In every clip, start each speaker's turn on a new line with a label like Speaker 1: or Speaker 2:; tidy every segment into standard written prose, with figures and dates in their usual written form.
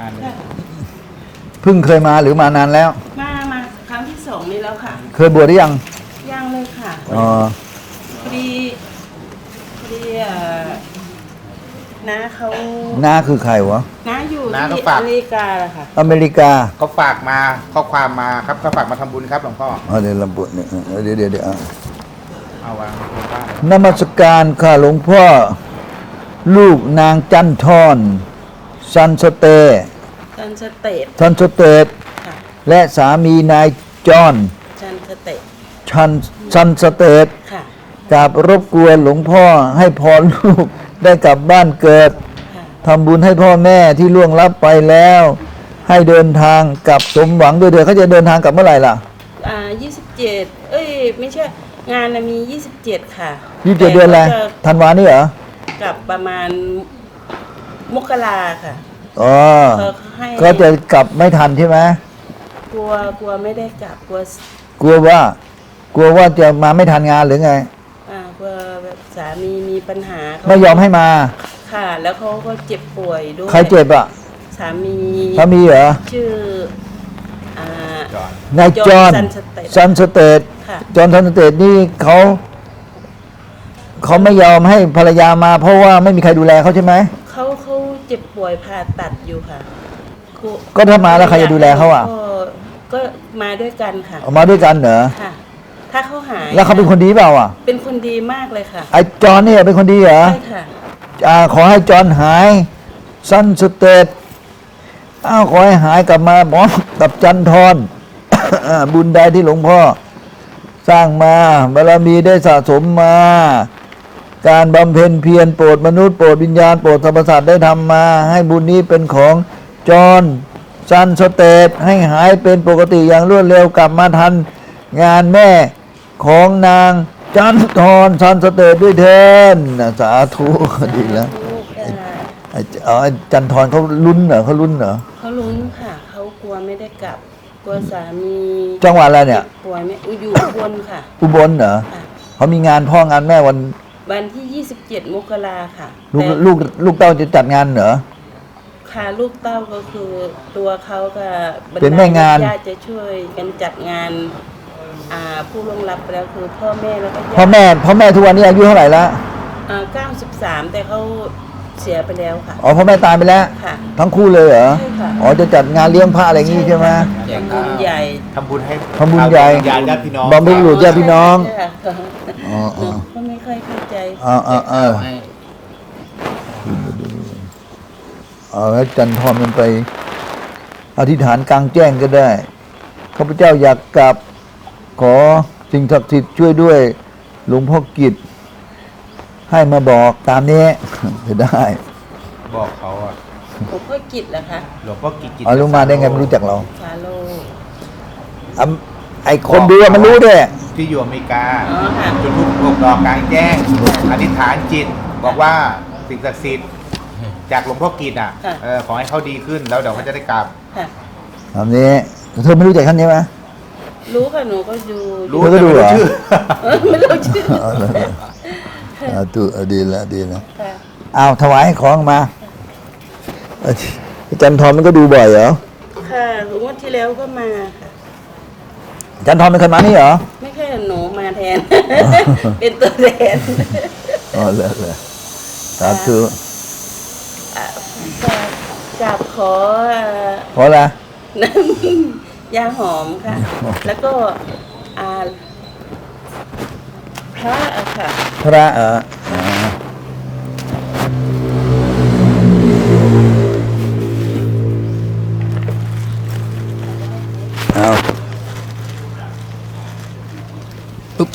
Speaker 1: านเลย
Speaker 2: ค่ะ
Speaker 3: เพิ่งเคยมาหรือมานานแล้ว
Speaker 2: มาครั้งที่2นี้แล้วค่ะ
Speaker 3: เคยบวชหรือยัง
Speaker 2: ยังเลยค่ะ
Speaker 3: อ๋อ
Speaker 2: พอดีน้าเขา
Speaker 3: น้าคือใครวะ
Speaker 2: น้าอยู่ที่อเมริกาแหละค่ะ
Speaker 3: อเมริกา
Speaker 1: เขาฝากมาข้อความมาครับเขาฝากมาทำบุญครับหลวงพ่อ
Speaker 3: อ๋อเดี๋ยวลำบุญเนี่ยเดี๋ยว
Speaker 1: เอาวางบนบ้าน
Speaker 3: นมัสการค่ะหลวงพ่อ ลูกนางจันทรซันสเตย์
Speaker 2: จันสเตท
Speaker 3: ซันสเตย์
Speaker 2: ค่ะ
Speaker 3: และสามีนายจอห์น
Speaker 2: จันสเตท
Speaker 3: ซันสเตย์
Speaker 2: ค่ะ
Speaker 3: กราบรบกวนหลวงพ่อให้พรลูกได้กลับบ้านเกิด
Speaker 2: ค่ะ
Speaker 3: ทำบุญให้พ่อแม่ที่ล่วงลับไปแล้ว ให้เดินทางกลับสมหวังด้วยเถิดเขาจะเดินทางกลับเมื่อไหร่ล่ะ
Speaker 2: 27ไม่ใช่งานน่ะมี27ค่ะ
Speaker 3: 27 เดือนอะไร
Speaker 2: แต่ขาจ
Speaker 3: ธันวานี่เหรอ
Speaker 2: กลับประมาณมกราค่ะ
Speaker 3: อ๋อ
Speaker 2: เขาให้
Speaker 3: ก็จะกลับไม่ทันใช่ไหม
Speaker 2: กลัวไม่ได้กลับกลัว
Speaker 3: กลัวว่าจะมาไม่ทันงานหรือไง
Speaker 2: กลัวแบบสามีมีปัญหาเขา
Speaker 3: ไม่ยอมให้มา
Speaker 2: ค่ะ แล้วเขาก็เจ็บป่วยด้วย
Speaker 3: ใครเจ็บอ่ะ
Speaker 2: สามี
Speaker 3: สามีเหรอ
Speaker 2: ชื่ออ่า
Speaker 1: จอด
Speaker 3: นายจอห์น
Speaker 2: ซันสเตท
Speaker 3: ซันสเตย์
Speaker 2: ค่ะ
Speaker 3: จอห์นซันสเตย์นี่เขาไม่ยอมให้ภรรยามา เพราะว่าไม่มีใครดูแลเขาใช่ไหม
Speaker 2: เขาเจ็บป่วยผ่าตัดอยู่ค่ะ
Speaker 3: ก็ถ้ามาแล้วใครจะดูแลเขาอ่ะ
Speaker 2: ก็มาด้วยกันค่ะ
Speaker 3: เอามาด้วยกันเหรอ
Speaker 2: ค่ะ ถ้าเขาหาย
Speaker 3: แล้วเขาเป็นคนดีเปล่าอ่ะ
Speaker 2: เป็นคนดีมากเลยค่ะ
Speaker 3: ไอ้จอห์นเนี่ยเป็นคนดีเหรอ
Speaker 2: ใช่ค่ะ
Speaker 3: ขอให้จอห์นหายซันสเตย์ขอให้หายกลับมาพร้อมกับจันทร บุญใดที่หลวงพ่อสร้างมาบารมีได้สะสมมา การบำเพ็ญเพียรโปรดมนุษย์โปรดวิญญาณโปรดสรรพสัตว์ได้ทำมา ให้บุญนี้เป็นของจอห์นซันสเตย์ให้หายเป็นปกติอย่างรวดเร็วกลับมาทันงานแม่ของนางจันทรซันสเตย์ด้วยเถินสาธุดีแล้วไอ้จันทรเขาลุ้นเหรอเขาลุ้นเหรอ
Speaker 2: เขาลุ้นค่ะ เขากลัวไม่ได้กลับ กลัวสามี
Speaker 3: จังหวัดอะไรเนี่ย
Speaker 2: ป่วยไม่อยู่บนค่ะ
Speaker 3: อุบลเหรอ
Speaker 2: ค่ะ
Speaker 3: เขามีงานพ่องานแม่วัน
Speaker 2: วันที่ 27 มกราค่ะ
Speaker 3: ลูก
Speaker 2: แต่
Speaker 3: ลูกเต้าจะจัดงานเหรอ
Speaker 2: ค่ะลูกเต้าก็คือตัวเขากับบรร
Speaker 3: เป็น
Speaker 2: ดา
Speaker 3: แม่งาน
Speaker 2: ญาติจะช่วยกันจัดงานผู้ล่วงลับไปแล้วคือพ่อแม่แล้วก็ญาติ
Speaker 3: พ่อแม่ทุกวันนี้อายุเท่าไหร่ละ
Speaker 2: 93 แต่เขาเสียไปแล้วค่ะ
Speaker 3: อ๋อพ่อแม่ตายไปแล้ว
Speaker 2: ค่ะ
Speaker 3: ทั้งคู่เลยเหรอ
Speaker 2: ใช่ค่ะ
Speaker 3: อ๋อจะจัดงานเลี้ยงพระอะไรอย่างงี้ใช่ไหม
Speaker 2: ทำบุญใหญ่
Speaker 1: ทำบุญให้
Speaker 3: ทำบุญใหญ่
Speaker 1: ญาติพี่น้อง
Speaker 3: บำเพ็ญบุญญาติพี่น้อง
Speaker 2: ใช่ค่ะ
Speaker 3: อ๋อ
Speaker 2: หนูก็ไม่ค่อยเข้าใจ
Speaker 1: ให้
Speaker 3: แล้วจันทรมันไปอธิษฐานกลางแจ้งก็ได้ข้าพเจ้าอยากกลับขอสิ่งศักดิ์สิทธิ์ช่วยด้วยหลวงพ่อกิจให้มาบอกตามนี้ จะได้
Speaker 1: บอกเขาอ่ะ
Speaker 2: หลวงพ่อกิจเหรอคะ
Speaker 1: หลวงพ่อกิจกิจ
Speaker 3: เอารู้มาได้ไงไม่รู้จักเรา
Speaker 2: ฟาโล
Speaker 3: ไอ้คนดูอะมันรู้ด้วย
Speaker 1: ที่อยู่อเมริกา
Speaker 2: อ๋อค่ะ
Speaker 1: จุดธูปบวกดอกกลางแจ้ง อธิษฐานจิต บอกว่าสิ่งศักดิ์สิทธิ์จากหลวงพ่อกิจอ่ะ
Speaker 2: ค่ะ
Speaker 1: ขอให้เขาดีขึ้นแล้วเดี๋ยวเขาจะได้กลับ
Speaker 2: ค่ะ
Speaker 3: ตามนี้เธอไม่รู้จักท่านใช่ไหม
Speaker 2: รู้ค่ะหนูก็ดู
Speaker 1: รู้
Speaker 3: เธอก็ดูเหรอ
Speaker 1: แต่ไม่รู้ชื่อ
Speaker 2: ไม่รู้ชื่อ
Speaker 3: ดีแล้วดีแล้ว
Speaker 2: ค่ะ
Speaker 3: เอาถวายของมาอาจันทรมันก็ดูบ่อยเหรอ
Speaker 2: ค่ะงวดที่แล้วก็มาค่ะ
Speaker 3: อาจันทรเป็นคนมานี่เหรอ
Speaker 2: ไม่ใช่หนูมาแทน เป็นตัวแทน
Speaker 3: อ๋อเลยสาธุ
Speaker 2: กับขอ
Speaker 3: เพราะอะไร
Speaker 2: น้ำยาหอมค่ะ แล้วก็อ่าพระอะค่ะ
Speaker 3: พระเอาปุ๊บ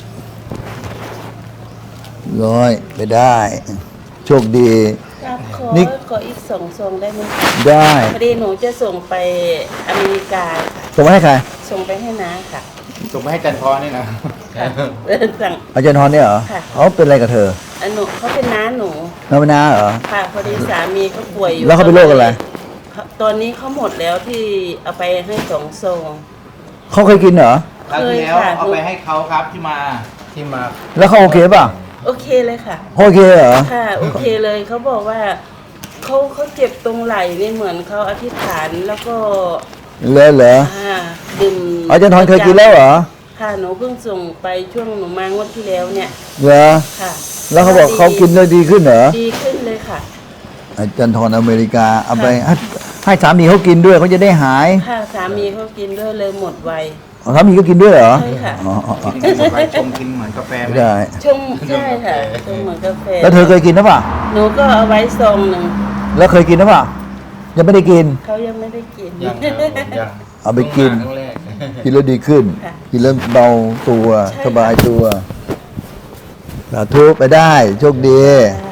Speaker 3: ร้อยไปได้ โชคดี
Speaker 2: กับขอ
Speaker 3: นี่
Speaker 2: ขออีก2 ซองได้ไหมคะ
Speaker 3: ได้
Speaker 2: พอดีหนูจะส่งไปอเมริกาค่ะ
Speaker 3: ส่งมาให้ใคร
Speaker 2: ส่งไปให้น้าค่ะ
Speaker 1: ส่งไปให้จันทรนี่นะ
Speaker 2: ค่ะสั่ง
Speaker 3: อาจารย์ทรเนี่ยเหรอ
Speaker 2: ค่ะ
Speaker 3: เขาเป็นอะไรกับเธอ
Speaker 2: หนูเขาเป็นน้าหนู
Speaker 3: น้าเป็นน้าเหรอ
Speaker 2: ค่ะพอดีสามีเขาป่วยอยู่
Speaker 3: แล้วเขาเป็นโรคอะไร
Speaker 2: ตอนนี้เขาหมดแล้วที่เอาไปให้2 ซอง
Speaker 3: เขาเคยกินเหรอ
Speaker 1: คราวที่แล้ว
Speaker 2: เคยค่ะ
Speaker 1: เอาไปให้เขาครับที่มา
Speaker 3: แล้วเขาโอเคป่ะ
Speaker 2: โอเคเลยค่ะ
Speaker 3: โอเคเหรอ
Speaker 2: ค่ะ โอเคเลยเขาบอกว่าเขาเจ็บตรงไหล่นี่เหมือนเขาอธิษฐานแล้วก็
Speaker 3: เหรอ
Speaker 2: ดื่ม
Speaker 3: อาจารย์ทอนเคยกินแล้วเหรอ
Speaker 2: ค่ะหนูเพิ่งส่งไปช่วงหนูมางวดที่แล้วเนี่ย
Speaker 3: เหรอ
Speaker 2: ค่ะ
Speaker 3: แล้วเขาบอกเขากินแล้วดีขึ้นเหรอ
Speaker 2: ดีขึ้นเลยค่ะ
Speaker 3: อาจารย์ทอนอเมริกาเอาไปให้สามีเขากินด้วยเขาจะได้หาย
Speaker 2: ค่ะสามีเขากินด้วยเลยหมดไว
Speaker 3: สามีก็กินด้วยเหรอ
Speaker 2: ใช่ค่ะ
Speaker 3: อ๋อ
Speaker 1: กินหมดไว้ชงกินเหมือนกาแฟไหม
Speaker 3: ไม่ได้
Speaker 2: ชงใช่ค่ะชงเหมือนกาแฟ
Speaker 3: แล้วเธอเคยกินหรือเปล่า
Speaker 2: หนูก็เอาไว้ซองหนึ่ง
Speaker 3: แล้วเคยกินหรือเปล่ายังไม่ได้กิน
Speaker 2: เขายังไม่ได้กิน
Speaker 4: ยังครับผมยัง
Speaker 3: เอาไปกิน
Speaker 4: ครั้งแรก
Speaker 3: กินแล้วดีขึ้น
Speaker 2: ค่ะ
Speaker 3: กินแล้วเบาตัว
Speaker 2: ใช่
Speaker 3: สบายตัวสาธุไปได้โชคดี
Speaker 2: ค่ะ